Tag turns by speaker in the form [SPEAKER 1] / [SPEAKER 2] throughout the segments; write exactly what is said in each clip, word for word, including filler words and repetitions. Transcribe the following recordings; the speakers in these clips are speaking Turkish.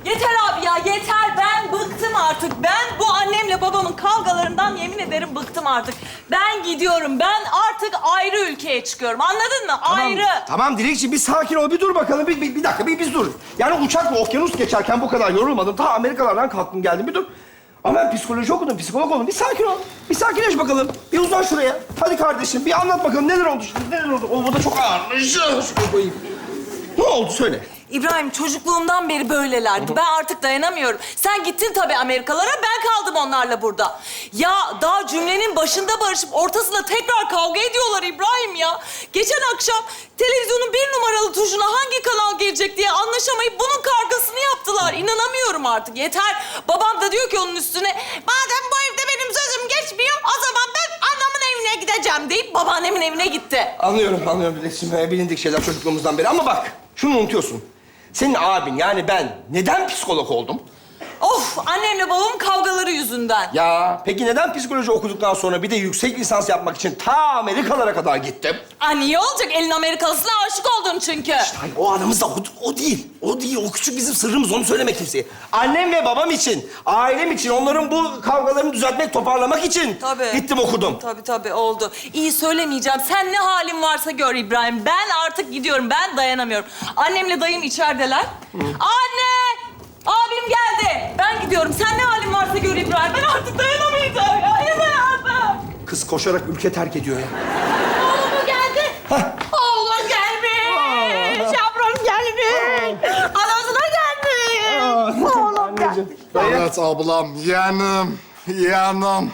[SPEAKER 1] Yeter abi ya, yeter. Ben bıktım artık. Ben bu annemle babamın kavgalarından yemin ederim bıktım artık. Ben gidiyorum. Ben artık ayrı ülkeye çıkıyorum. Anladın mı? Ayrı.
[SPEAKER 2] Tamam Dilekçiğim, bir sakin ol, bir dur bakalım. Bir, bir, bir dakika, bir biz dur. Yani uçakla okyanus geçerken bu kadar yorulmadım. Ta Amerikalardan kalktım geldim, bir dur. Ama ben psikoloji okudum, psikolog oldum. Bir sakin ol. Bir sakinleş bakalım. Bir uzan şuraya. Hadi kardeşim, bir anlat bakalım neler oldu şimdi, neler oldu? O bu da çok ağırmış. Şuraya koyayım. Ne oldu, söyle.
[SPEAKER 1] İbrahim, çocukluğumdan beri böylelerdi. Ben artık dayanamıyorum. Sen gittin tabii Amerikalara, ben kaldım onlarla burada. Ya daha cümlenin başında barışıp ortasında tekrar kavga ediyorlar İbrahim ya. Geçen akşam televizyonun bir numaralı tuşuna hangi kanal gelecek diye anlaşamayıp bunun kargasını yaptılar. İnanamıyorum artık, yeter. Babam da diyor ki onun üstüne, madem bu evde benim sözüm geçmiyor, o zaman ben anamın evine gideceğim deyip babaannemin evine gitti.
[SPEAKER 2] Anlıyorum, anlıyorum Dilekçiğim. Bilindik şeyler çocukluğumuzdan beri. Ama bak, şunu unutuyorsun. Senin abin, yani ben neden psikolog oldum?
[SPEAKER 1] Of, annemle babamın kavgaları yüzünden.
[SPEAKER 2] Ya peki neden psikoloji okuduktan sonra bir de yüksek lisans yapmak için ta Amerikalara kadar gittim?
[SPEAKER 1] Aa, niye olacak? Elin Amerikalısına aşık oldun çünkü.
[SPEAKER 2] Hayır, o aramızda o, o değil. O değil, o küçük bizim sırrımız. Onu söyleme kimseye. Annem ve babam için, ailem için, onların bu kavgalarını düzeltmek, toparlamak için
[SPEAKER 1] Tabii.
[SPEAKER 2] gittim okudum.
[SPEAKER 1] Tabii tabii oldu. İyi, söylemeyeceğim. Sen ne halin varsa gör İbrahim. Ben artık gidiyorum. Ben dayanamıyorum. Annemle dayım içerideler. Anne! Abim geldi. Ben gidiyorum. Sen ne halin varsa gör İbrahim. Ben artık dayanamayacağım ya. Yeter artık.
[SPEAKER 2] Kız koşarak ülke terk ediyor ya.
[SPEAKER 1] Oğlum geldi. Oğlum gelmiş. Yavrum gelmiş. Anasına gelmiş. Oğlum gelmiş.
[SPEAKER 3] Evet ablam, yanım, yanım,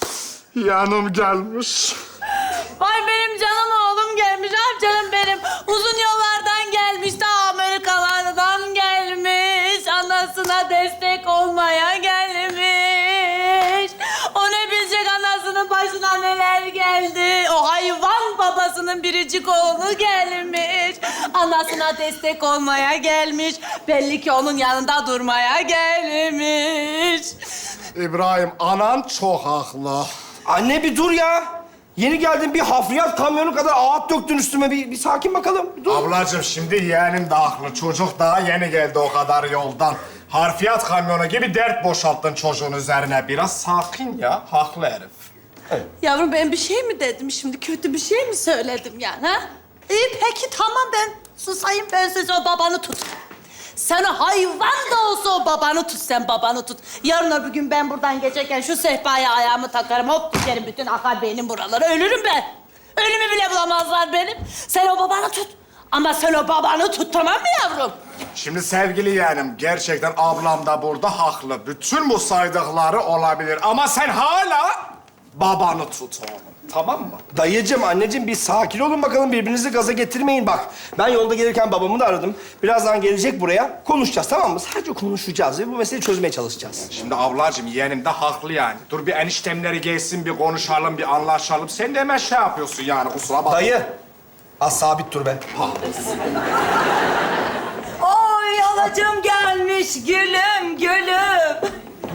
[SPEAKER 3] yanım gelmiş.
[SPEAKER 1] Vay benim canım oğlum gelmiş. Ah canım benim. Uzun yollardan gelmiş. Ta Amerikalardan gelmiş. Anasına destek olmaya gelmiş. O ne bilecek anasının başına neler geldi. O hayvan babasının biricik oğlu gelmiş. Anasına destek olmaya gelmiş. Belli ki onun yanında durmaya gelmiş.
[SPEAKER 3] İbrahim, anan çok haklı.
[SPEAKER 2] Anne bir dur ya. Yeni geldin, bir hafriyat kamyonu kadar ağıt döktün üstüme. Bir, bir sakin bakalım. Bir dur.
[SPEAKER 3] Ablacığım şimdi yeğenim de haklı. Çocuk daha yeni geldi o kadar yoldan. Harfiyat kamyonu gibi dert boşalttın çocuğun üzerine. Biraz sakin ya, haklı herif.
[SPEAKER 4] Yavrum ben bir şey mi dedim şimdi? Kötü bir şey mi söyledim yani ha? İyi peki tamam ben susayım, ben söz o babanı tut. Sen o hayvan da olsa o babanı tut, sen babanı tut. Yarın öbür gün ben buradan geçerken şu sehpaya ayağımı takarım, hop düşerim, bütün akar beynim buralara. Ölürüm ben. Ölümü bile bulamazlar benim. Sen o babanı tut. Ama sen o babanı tut, tamam mı yavrum?
[SPEAKER 3] Şimdi sevgili yeğenim, gerçekten ablam da burada haklı. Bütün bu saydıkları olabilir ama sen hala babanı tut oğlum. Tamam mı?
[SPEAKER 2] Dayıcığım, anneciğim bir sakin olun bakalım. Birbirinizi gaza getirmeyin bak. Ben yolda gelirken babamı da aradım. Birazdan gelecek buraya. Konuşacağız, tamam mı? Sadece konuşacağız ve bu meseleyi çözmeye çalışacağız.
[SPEAKER 3] Şimdi ablacığım yeğenim de haklı yani. Dur bir eniştemleri gelsin, bir konuşalım, bir anlaşalım. Sen de hemen şey yapıyorsun yani, kusura bakma.
[SPEAKER 2] Dayı, az sabit dur be.
[SPEAKER 1] Oy alacım gelmiş gülüm gülüm.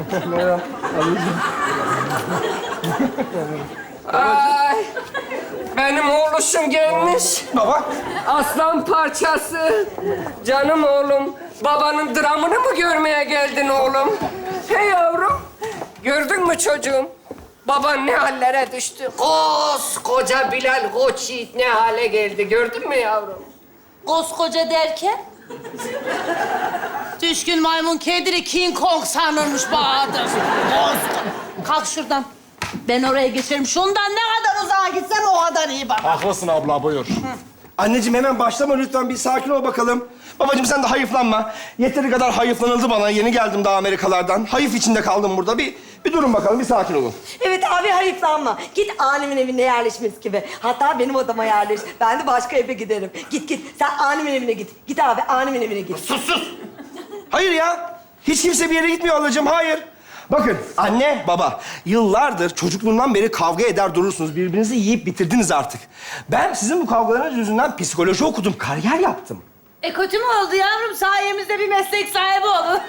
[SPEAKER 5] Ay, benim oğluşum gelmiş.
[SPEAKER 2] Baba.
[SPEAKER 5] Aslan parçası. Canım oğlum. Babanın dramını mı görmeye geldin oğlum? Hey yavrum. Gördün mü çocuğum? Baban ne hallere düştü. Koskoca Bilal Koç Yiğit ne hale geldi. Gördün mü yavrum?
[SPEAKER 4] Koskoca derken? Düşkün maymun kediri King Kong sanırmış Bahadır. Koskoca. Kalk şuradan. Ben oraya geçerim. Şundan ne kadar uzağa gitsem o kadar iyi bak.
[SPEAKER 3] Haklısın abla, buyur.
[SPEAKER 2] Anneciğim hemen başlama lütfen. Bir sakin ol bakalım. Babacığım sen de hayıflanma. Yeteri kadar hayıflanıldı bana. Yeni geldim daha Amerikalardan. Hayıf içinde kaldım burada. Bir, bir durun bakalım, bir sakin olun.
[SPEAKER 6] Evet abi hayıflanma. Git annemin evine yerleşmesi gibi. Hatta benim odama yerleş. Ben de başka eve giderim. Git git. Sen annemin evine git. Git abi annemin evine git.
[SPEAKER 2] Sus sus! Hayır ya. Hiç kimse bir yere gitmiyor ablacığım. Hayır. Bakın anne, baba yıllardır çocukluğundan beri kavga eder durursunuz. Birbirinizi yiyip bitirdiniz artık. Ben sizin bu kavgalarınız yüzünden psikoloji okudum, kariyer yaptım.
[SPEAKER 4] E kötü mü oldu yavrum? Sayemizde bir meslek sahibi olun.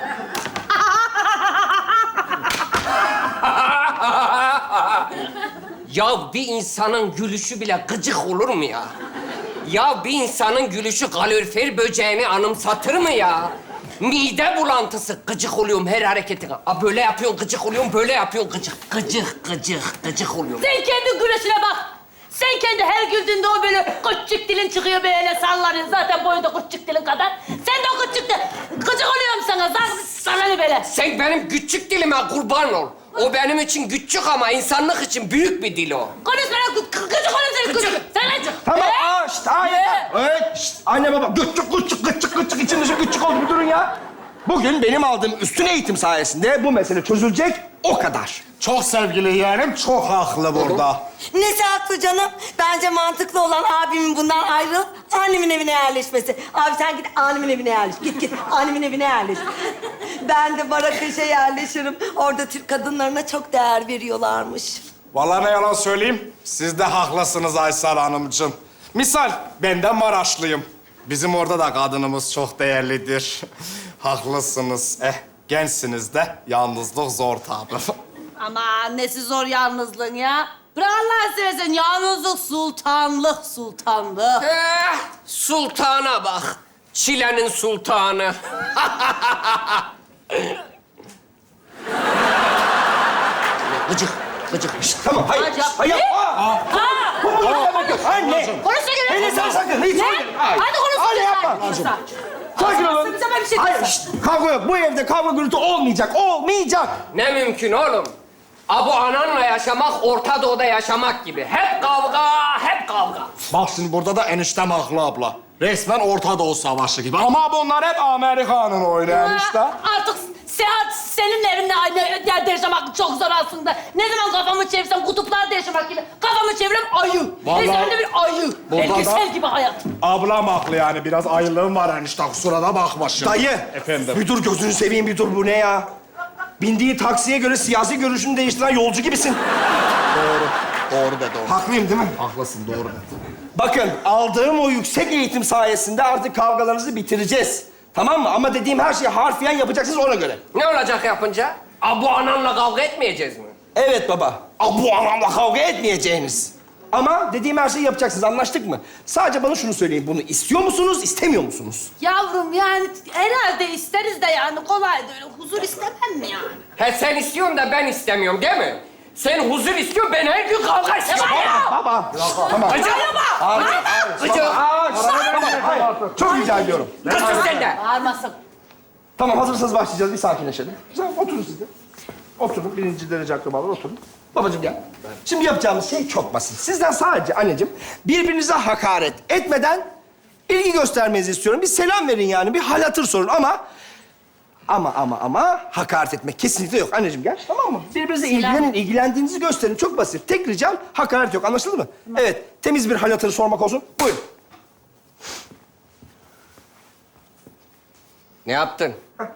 [SPEAKER 5] Ya bir insanın gülüşü bile gıcık olur mu ya? Ya bir insanın gülüşü kalorifer böceğini anımsatır mı ya? Mide bulantısı. Gıcık oluyorum her hareketine. Aa, böyle yapıyorsun gıcık oluyorum, böyle yapıyorsun gıcık. Gıcık, gıcık, gıcık oluyorum.
[SPEAKER 4] Sen kendi güneşine bak. Sen kendi her güldüğünde o böyle küçük dilin çıkıyor böyle sallanıyor. Zaten boyu da küçük dilin kadar. Sen de o küçük de gıcık oluyorum sana. Sana, sana ne böyle?
[SPEAKER 5] Sen benim küçük dilime kurban ol. O benim için küçük ama insanlık için büyük bir dil o.
[SPEAKER 4] Konuş bana gı- gıcık oluyorum seni gıcık. Sen gıcık.
[SPEAKER 2] Tamam,
[SPEAKER 4] Ee?
[SPEAKER 2] aa şşt, hayır. Evet, şşt, anne baba, gıççık gıççık gıççık gıççık içim dışı gıççık oldu, bir durun ya. Bugün benim aldığım üstün eğitim sayesinde bu mesele çözülecek, o kadar.
[SPEAKER 3] Çok sevgili yeğenim, çok haklı burada.
[SPEAKER 6] Nesi haklı canım? Bence mantıklı olan abimin bundan ayrılıp annemin evine yerleşmesi. Abi sen git annemin evine yerleş. Git git annemin evine yerleş. Ben de Marrakeş'e yerleşirim. Orada Türk kadınlarına çok değer veriyorlarmış.
[SPEAKER 3] Vallahi ne yalan söyleyeyim, siz de haklısınız Aysel Hanımcığım. Misal, ben de Maraşlıyım. Bizim orada da kadınımız çok değerlidir. Haklısınız. Eh, gençsiniz de yalnızlık zor tabii.
[SPEAKER 4] Aman nesi zor yalnızlığın ya. Bırak Allah'ını seversen yalnızlık sultanlık sultanlık.
[SPEAKER 5] Eh, sultana bak. Çilenin sultanı. Gıcık, gıcık.
[SPEAKER 2] Şşt, tamam, hayır,
[SPEAKER 4] Hadi
[SPEAKER 2] şşt,
[SPEAKER 4] yap.
[SPEAKER 2] hayır.
[SPEAKER 4] Ne?
[SPEAKER 2] Aa,
[SPEAKER 4] Ha!
[SPEAKER 2] bu bu demek yok. Anne.
[SPEAKER 4] Konuşsa göre.
[SPEAKER 2] Hele sen sakın, hiç
[SPEAKER 4] Ne?
[SPEAKER 2] sakın. Hayır.
[SPEAKER 4] Hadi konuşsa
[SPEAKER 2] Anne
[SPEAKER 4] göre.
[SPEAKER 2] yapma. Sakin olun.
[SPEAKER 4] Bize bir şey
[SPEAKER 2] Hayır,
[SPEAKER 4] diyorsun.
[SPEAKER 2] şşt, kavga yok. Bu evde kavga gürültü olmayacak, olmayacak.
[SPEAKER 5] Ne mümkün oğlum? Abu ananla yaşamak, Orta Doğu'da yaşamak gibi. Hep kavga, hep kavga.
[SPEAKER 3] Bak şimdi burada da eniştem haklı abla. Resmen Orta Doğu Savaşı gibi. Ama bunlar hep Amerika'nın oyunu enişte.
[SPEAKER 4] Artık Seyahat senin evinde aynı yerde yaşamak çok zor aslında. Ne zaman kafamı çevirsem kutuplarda yaşamak gibi. Kafamı çevirem ayı.
[SPEAKER 3] Vallahi-
[SPEAKER 4] Resmen de bir ayı.
[SPEAKER 3] Burada
[SPEAKER 4] Belgesel
[SPEAKER 3] da-
[SPEAKER 4] gibi hayat.
[SPEAKER 3] Ablam haklı yani. Biraz ayılığım var enişte. Kusura da bakma şimdi.
[SPEAKER 2] Dayı.
[SPEAKER 3] Efendim.
[SPEAKER 2] Bir dur, gözünü seveyim bir dur. Bu ne ya? Bindiği taksiye göre siyasi görüşünü değiştiren yolcu gibisin.
[SPEAKER 3] Doğru. Doğru dedi o.
[SPEAKER 2] Haklıyım değil mi?
[SPEAKER 3] Haklısın, doğru dedi.
[SPEAKER 2] Bakın, aldığım o yüksek eğitim sayesinde artık kavgalarınızı bitireceğiz. Tamam mı? Ama dediğim her şeyi harfiyen yapacaksınız ona göre.
[SPEAKER 5] Ne olacak yapınca? Abu ananla kavga etmeyeceğiz mi?
[SPEAKER 2] Evet baba. Aa, bu anlamda kavga etmeyeceğiniz. Ama dediğim her şeyi yapacaksınız. Anlaştık mı? Sadece bana şunu söyleyin. Bunu istiyor musunuz, istemiyor musunuz?
[SPEAKER 4] Yavrum yani herhalde isteriz de yani kolay da öyle huzur istemem mi yani?
[SPEAKER 5] He sen istiyorsun da ben istemiyorum değil mi? Sen huzur istiyorsun, ben her gün kavga istiyorum.
[SPEAKER 2] Baba. Tamam.
[SPEAKER 5] Gıcık!
[SPEAKER 2] Hayır,
[SPEAKER 5] Gıcık!
[SPEAKER 2] Aa, tamam, hayır. Çok rica ediyorum.
[SPEAKER 5] Gıcık sen de!
[SPEAKER 4] Bağırmasın.
[SPEAKER 2] Tamam, hazırsanız başlayacağız. Bir sakinleşelim. Güzel, oturun siz de. Oturun, birinci derece akrabalar oturun. Babacığım gel. Şimdi yapacağımız şey çok basit. Sizden sadece anneciğim birbirinize hakaret etmeden ilgi göstermenizi istiyorum. Bir selam verin yani, bir hal hatır sorun ama... Ama ama ama hakaret etmek kesinlikle yok. Anneciğim gel, tamam mı? Birbirinize ilgilenin, ilgilendiğinizi gösterin. Çok basit. Tek ricam hakaret yok. Anlaşıldı mı? Evet, temiz bir hal hatırı sormak olsun. Buyurun.
[SPEAKER 5] Ne yaptın?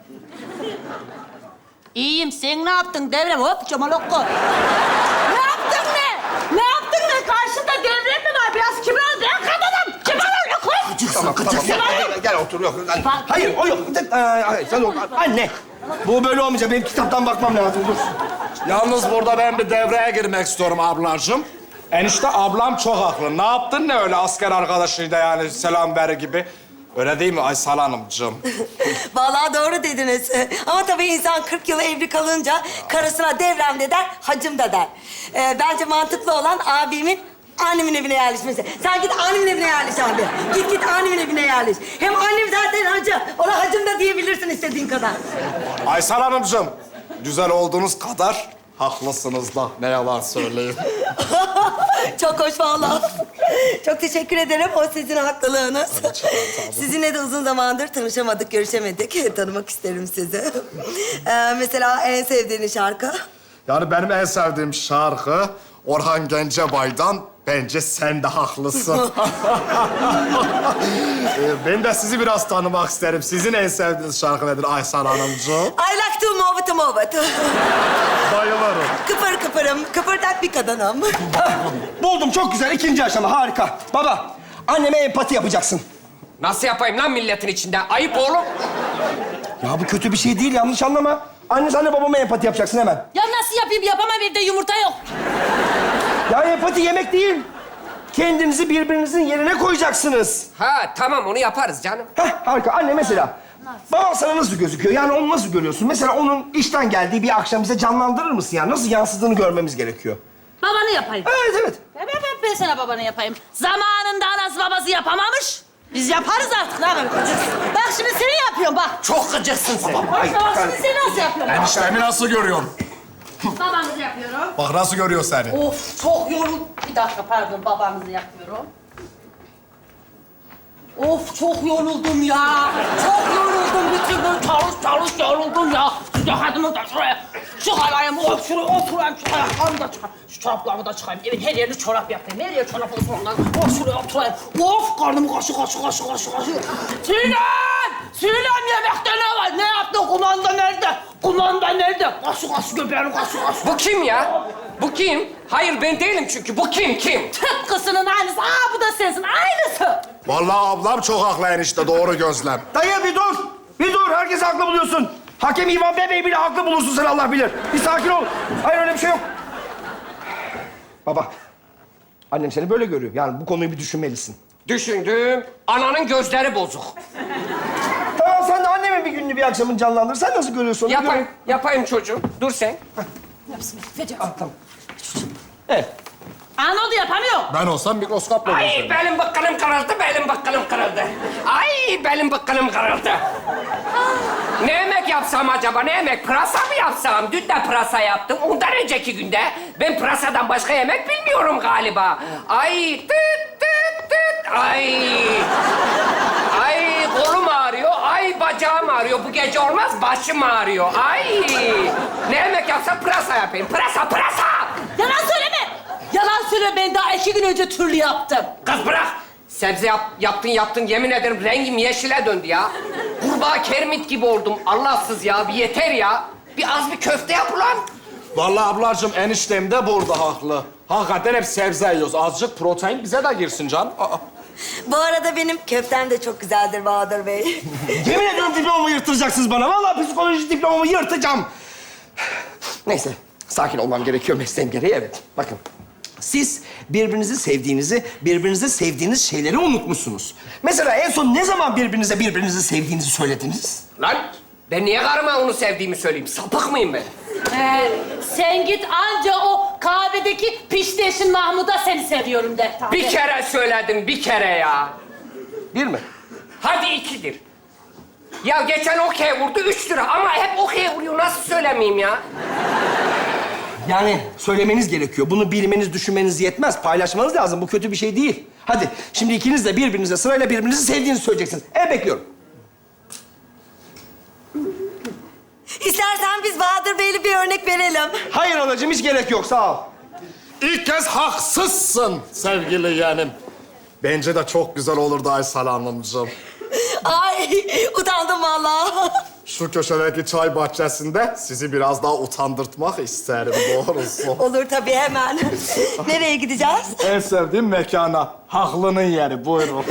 [SPEAKER 4] İyiyim. Sen ne yaptın devrem? Hop çamalokko. Ne yaptın ne? Ne yaptın ne? Karşında devrem mi var? Biraz kibar ol. Ben kadınım. Kibar ol. Kız.
[SPEAKER 5] Gıcıksın,
[SPEAKER 2] Tamam,
[SPEAKER 5] gıcıksın.
[SPEAKER 2] Gel, gel, gel otur. Yok. Hayır, o yok. Ee, Hayır, sen otur. Anne, bu böyle olmayacak. Benim kitaptan bakmam lazım. Dur.
[SPEAKER 3] Yalnız burada ben bir devreye girmek istiyorum ablacığım. Enişte ablam çok haklı. Ne yaptın ne öyle asker arkadaşıyla yani selam ver gibi. Öyle değil mi Aysel Hanımcığım?
[SPEAKER 6] Vallahi doğru dediniz. Ama tabii insan kırk yıl evli kalınca karısına devrem de der, hacım da der. Ee, bence mantıklı olan abimin annemin evine yerleşmesi. Sen git annemin evine yerleş abi. Git git annemin evine yerleş. Hem annem zaten hacı. Ona hacım da diyebilirsin istediğin kadar.
[SPEAKER 3] Aysel Hanımcığım, güzel olduğunuz kadar haklısınız da. Ne yalan söyleyeyim.
[SPEAKER 6] Çok hoş vallahi. Çok teşekkür ederim. O sizin haklılığınız. Sizinle de uzun zamandır tanışamadık, görüşemedik. Tanımak isterim sizi. Ee, mesela en sevdiğiniz şarkı?
[SPEAKER 3] Yani benim en sevdiğim şarkı Orhan Gencebay'dan Bence Sen de Haklısın. Ee, ben de sizi biraz tanımak isterim. Sizin en sevdiğiniz şarkı nedir Aysel Hanımcığım?
[SPEAKER 6] I like to move it, move it.
[SPEAKER 3] Bayılırım.
[SPEAKER 6] Kıpır kıpırım, kıpırdak bir kadınım.
[SPEAKER 2] Buldum, çok güzel. İkinci aşama, harika. Baba, anneme empati yapacaksın.
[SPEAKER 5] Nasıl yapayım lan milletin içinde? Ayıp oğlum.
[SPEAKER 2] Ya bu kötü bir şey değil, yanlış anlama. Anne, sen de babama empati yapacaksın hemen.
[SPEAKER 4] Ya nasıl yapayım? Yapamam, evde yumurta yok.
[SPEAKER 2] Ya empati yemek değil. Kendinizi birbirinizin yerine koyacaksınız.
[SPEAKER 5] Ha tamam onu yaparız canım.
[SPEAKER 2] Heh, harika. Anne mesela, Baban sana nasıl gözüküyor? Yani onu nasıl görüyorsun? Mesela onun işten geldiği bir akşam bize canlandırır mısın yani? Nasıl yansıdığını görmemiz gerekiyor.
[SPEAKER 4] Babanı yapayım.
[SPEAKER 2] Evet, evet.
[SPEAKER 4] Ben, ben, ben, ben sana babanı yapayım. Zamanında anası babası yapamamış. Biz yaparız artık. Ne yapalım? Bak şimdi seni yapıyorum bak.
[SPEAKER 3] Çok gıcıksın sen.
[SPEAKER 2] Ay,
[SPEAKER 4] Bak
[SPEAKER 2] ben-
[SPEAKER 4] şimdi seni nasıl yapıyorum?
[SPEAKER 3] Eniştemi nasıl görüyorsun?
[SPEAKER 4] Babanızı yapıyorum.
[SPEAKER 3] Bak nasıl görüyor seni.
[SPEAKER 4] Of çok yoruldum. Bir dakika pardon babanızı yapıyorum. Of çok yoruldum ya. Çok yoruldum. Bütün gün çalış çalış yoruldum ya. Şu ceketimi de şuraya çıkarayım. Of şuraya oturayım. Şu ayaklarımı da çıkarayım. Şu çoraplarımı da çıkarayım. Evet her yerini çorap yapayım. Her yer çorap olsun ondan. Of şuraya oturayım. Of karnımı kaşı kaşı kaşı kaşı kaşı. Sinem! Sinem yemekte ne var? Ne yaptın? Kumanda nerede? Kumanda nerede? Kaşı kaşı göbeğini kaşı kaşı.
[SPEAKER 5] Bu kim ya? Bu kim? Hayır ben değilim çünkü. Bu kim kim?
[SPEAKER 4] Tıpkısının aynısı. Aa bu da sensin. Aynısı.
[SPEAKER 3] Vallahi ablam çok haklı enişte, doğru gözlem.
[SPEAKER 2] Dayı bir dur. Bir dur. Herkes haklı buluyorsun. Hakem İvan Bey bile haklı bulursun sen Allah bilir. Bir sakin ol. Hayır öyle bir şey yok. Baba. Annem seni böyle görüyor. Yani bu konuyu bir düşünmelisin.
[SPEAKER 5] Düşündüm. Ananın gözleri bozuk.
[SPEAKER 2] Tamam sen de annemin bir gününü bir akşamın canlandır. Sen nasıl görüyorsun onu?
[SPEAKER 5] Yapayım,
[SPEAKER 2] Gör.
[SPEAKER 5] yapayım çocuğum. Dur sen.
[SPEAKER 2] Ah, tamam. Evet.
[SPEAKER 4] Aa ne oldu yapamıyor.
[SPEAKER 3] Ben olsam mikroskopla
[SPEAKER 5] Ay
[SPEAKER 3] gözlerim.
[SPEAKER 5] belim bıkkınım kırıldı, belim bıkkınım kırıldı. Ay belim bıkkınım kırıldı. Ne yemek yapsam acaba, ne yemek? Pırasa mı yapsam? Dün de pırasa yaptım. Ondan önceki günde ben pırasadan başka yemek bilmiyorum galiba. Ay tıt tıt tıt. Ay. Ay kolum ağrıyor, ay bacağım ağrıyor. Bu gece olmaz, başım ağrıyor. Ay. Ne yemek yapsam pırasa yapayım. Pırasa, pırasa.
[SPEAKER 4] Yalan söyleme. Yalan söyle ben daha iki gün önce türlü yaptım.
[SPEAKER 5] Kız bırak. Sebze yap, yaptın yaptın yemin ederim rengim yeşile döndü ya. Kurbağa kermit gibi oldum. Allahsız ya bir yeter ya. Bir az bir köfte yap ulan.
[SPEAKER 3] Vallahi ablacığım eniştem de burada haklı. Hakikaten hep sebze yiyoruz. Azıcık protein bize de girsin can. Aa.
[SPEAKER 6] Bu arada benim köftem de çok güzeldir Bahadır Bey.
[SPEAKER 2] Yemin ediyorum diplomamı yırtıracaksınız bana. Vallahi psikoloji diplomamı yırtacağım. Neyse, sakin olmam gerekiyor mesleğim gereği, evet. Bakın, siz birbirinizi sevdiğinizi, birbirinizi sevdiğiniz şeyleri unutmuşsunuz. Mesela en son ne zaman birbirinize birbirinizi sevdiğinizi söylediniz?
[SPEAKER 5] Lan ben niye karıma onu sevdiğimi söyleyeyim? Sapık mıyım ben?
[SPEAKER 4] Ee, sen git anca o kahvedeki pişteşin Mahmud'a seni seviyorum de.
[SPEAKER 5] Bir kere söyledim, bir kere ya.
[SPEAKER 2] Bir mi?
[SPEAKER 5] Hadi ikidir. Ya geçen okey vurdu üç lira ama hep okey vuruyor. Nasıl söylemeyeyim ya?
[SPEAKER 2] Yani söylemeniz gerekiyor. Bunu bilmeniz, düşünmeniz yetmez. Paylaşmanız lazım. Bu kötü bir şey değil. Hadi, şimdi ikiniz de birbirinize sırayla birbirinizi sevdiğinizi söyleyeceksiniz. Evet, bekliyorum.
[SPEAKER 6] İstersen biz Bahadır Bey'le bir örnek verelim.
[SPEAKER 2] Hayır anacığım, hiç gerek yok. Sağ ol.
[SPEAKER 3] İlk kez haksızsın sevgili yeğenim. Bence de çok güzel olurdu Aysel Hanımcığım.
[SPEAKER 6] Ay utandım vallahi.
[SPEAKER 3] Şu köşedeki çay bahçesinde sizi biraz daha utandırtmak isterim doğrusu.
[SPEAKER 6] Olur tabii hemen. Nereye gideceğiz?
[SPEAKER 3] En sevdiğim mekana. Haklının yeri, buyurun.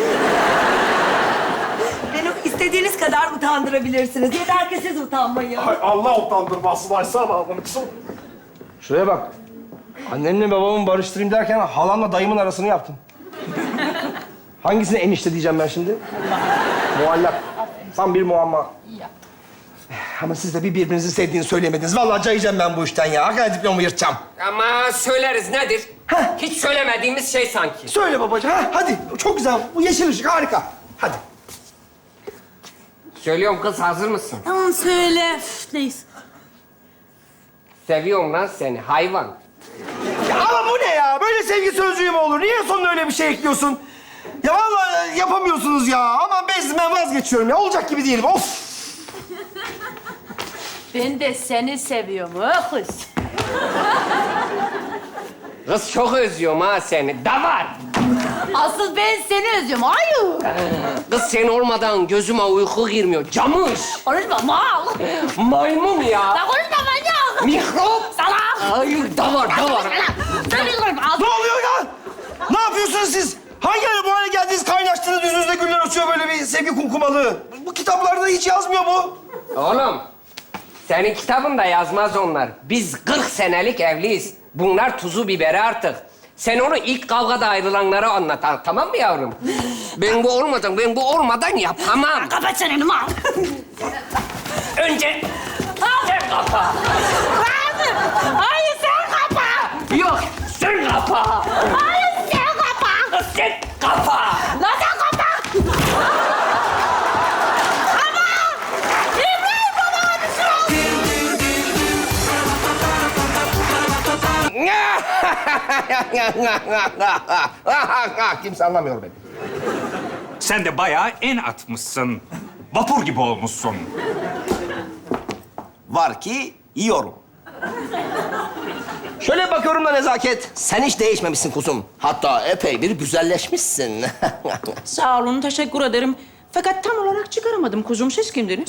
[SPEAKER 6] Beni istediğiniz kadar utandırabilirsiniz. Yeter ki siz utanmayın.
[SPEAKER 3] Ay Allah utandırmasın Aysel Hanımcığım.
[SPEAKER 2] Şuraya bak. Annemle babamı barıştırayım derken halamla dayımın arasını yaptım. Hangisine enişte diyeceğim ben şimdi? Muallak. Tam bir muamma. Ama siz de bir birbirinizi sevdiğini söyleyemediniz. Vallahi cayacağım ben bu işten ya. Hakikaten diplomu yırtacağım.
[SPEAKER 5] Ama söyleriz nedir?
[SPEAKER 2] Heh.
[SPEAKER 5] Hiç söylemediğimiz şey sanki.
[SPEAKER 2] Söyle babacığım. Ha, hadi. Çok güzel. Bu yeşil ışık harika. Hadi.
[SPEAKER 5] Söylüyorum kız hazır mısın?
[SPEAKER 4] Tamam söyle. Üf, neyse.
[SPEAKER 5] Seviyorum lan seni hayvan.
[SPEAKER 2] Ya ama bu ne ya? Böyle sevgi sözcüğü mü olur? Niye sonuna öyle bir şey ekliyorsun? Ya vallahi yapamıyorsunuz ya. Ama ben, ben vazgeçiyorum ya. Olacak gibi değilim. Of!
[SPEAKER 4] Ben de seni seviyorum ha kız.
[SPEAKER 5] Kız çok özlüyorum ha seni. Davar.
[SPEAKER 4] Asıl ben seni özlüyorum. Hayır.
[SPEAKER 5] Kız sen olmadan gözüme uyku girmiyor. Camış.
[SPEAKER 4] Konuşma mal.
[SPEAKER 5] Maymun ya.
[SPEAKER 4] La konuşma manyak.
[SPEAKER 5] Mikrop.
[SPEAKER 4] Salak.
[SPEAKER 5] Hayır davar davar.
[SPEAKER 4] Sen de konuşma.
[SPEAKER 2] Ne oluyor ya? Ne yapıyorsunuz siz? Hangi ara bu hale geldiniz? Kaynaştınız, yüzünüzde güller açıyor böyle bir sevgi kumkumalı. Bu kitaplarda hiç yazmıyor bu.
[SPEAKER 5] Oğlum. Senin kitabında yazmaz onlar. Biz kırk senelik evliyiz. Bunlar tuzu biberi artık. Sen onu ilk kavgada ayrılanlara anlat. ha, Tamam mı yavrum? Ben bu olmadan, ben bu olmadan yapamam.
[SPEAKER 4] Kapat çeneni mal.
[SPEAKER 5] Önce sen kapa.
[SPEAKER 4] Hayır, hayır sen kapa.
[SPEAKER 5] Yok, sen kapa.
[SPEAKER 4] Hayır sen kapa.
[SPEAKER 5] Sen kapa.
[SPEAKER 4] Lan sen kapa. Ama İbrahim bana bir şey oldu.
[SPEAKER 2] Kimse anlamıyor beni.
[SPEAKER 7] Sen de bayağı en atmışsın. Vapur gibi olmuşsun.
[SPEAKER 2] Var ki yiyorum. Şöyle bakıyorum da Nezaket, sen hiç değişmemişsin kuzum. Hatta epey bir güzelleşmişsin.
[SPEAKER 8] Sağ olun, teşekkür ederim. Fakat tam olarak çıkaramadım kuzum. Siz kimdiniz?